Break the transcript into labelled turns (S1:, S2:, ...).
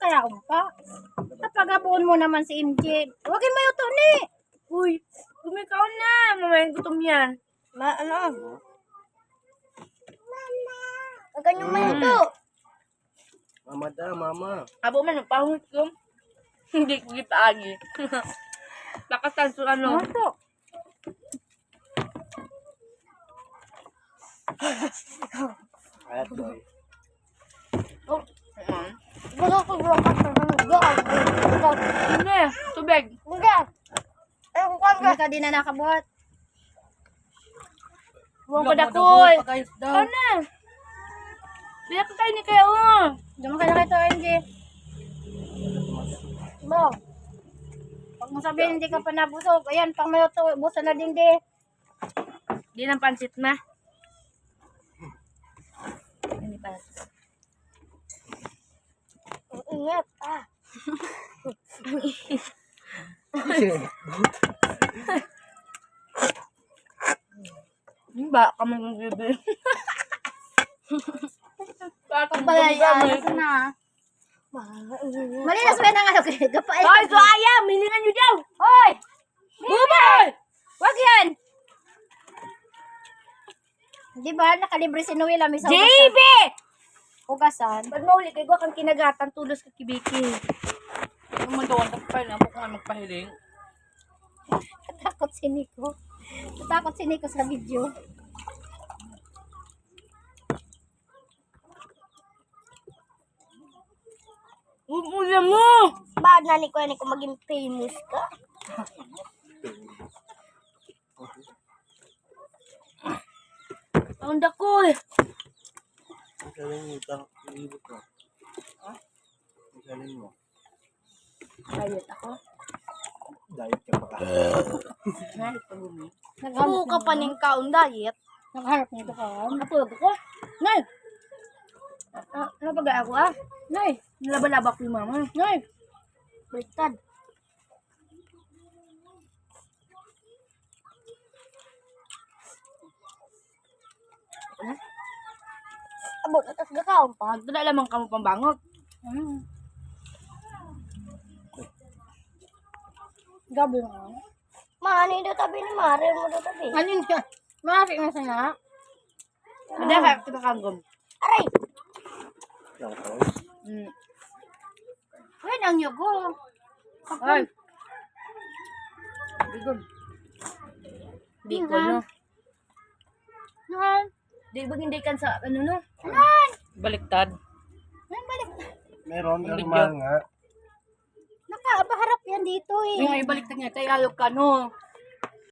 S1: kaya pa. Napagabuon mo naman si MJ. Huwag mo yuto ni.
S2: Uy, kumikaw na. Mamayin gutom yan.
S1: Ano? Huwag kanyang mayuto.
S3: Mama da, mama.
S2: Abo man, nagpahungit ko. Hindi ko gipaagi. Lakasan so ano.
S1: Mayuto.
S3: Ayat boy.
S2: Oh,
S1: Gusto ko buwan ka sa mga
S2: Hindi, tubig.
S1: Hindi. Hindi ka din na nakabuhat.
S2: Buwang ko dakoy.
S3: Pakayos daw.
S2: Ano na? Biyak ka kayo ni kayo.
S1: Diyan ka na kayo, MJ. Bo. Pag mo sabihin hindi ka pa nabusog, ayan, pang mayuto, busa na din di.
S2: Di ng pansit na. Hindi pa.
S1: Ang ingat, ah.
S2: Ba, kami ng bibi.
S1: Pagbalayaan ko na. Malinas ba ng ano kayo? Gapay.
S2: Hoy, suaya! Milingan nyo daw!
S1: Hoy!
S2: Bubay!
S1: Wag yan! Di ba, nakalibre si Noel, may sa
S2: JB!
S1: hugasan.
S2: Ba't mauli kayo kang kinagatan tulos ka kibiki? Ang magawa ka pa na kung ano magpahiling.
S1: Natakot si Nico. Natakot si Nico sa video.
S2: Umula mo!
S1: Bakit na Nico maging famous ka?
S2: Ang dako eh.
S3: Saling utang, ibig ko. Ha? Saling mo.
S2: Diet ako.
S3: Diet ka pa ka.
S2: Diet pa bumi.
S1: Naghanap ka pa ng kaon diet. Naghanap nito kaon.
S2: Napulog ako. Nay!
S1: Ano ba ako ah?
S2: Nay! Nilaba-laba ko yung mama.
S1: Nay! Baliktad. Abot, atas gakaon pa.
S2: Magdala lamang ka mo pambangot.
S1: Gabi nga. Mani daw tabi ni Mare mo daw tabi. Ano niya? Mari na sana.
S2: Madaka kita kagom.
S1: Aray!
S3: Lang ko.
S1: Ay, nang yugo.
S2: Ay! Bigom. Bicol, no?
S1: Nan!
S2: Di ba hindi kan sa ano, no?
S1: Nan!
S2: Baliktad.
S1: Nan, balik.
S3: Meron
S2: Ang
S3: normal nga.
S1: Nakapaharap yan dito eh.
S2: Yung ibaliktad niya, tayo ayok ka, no?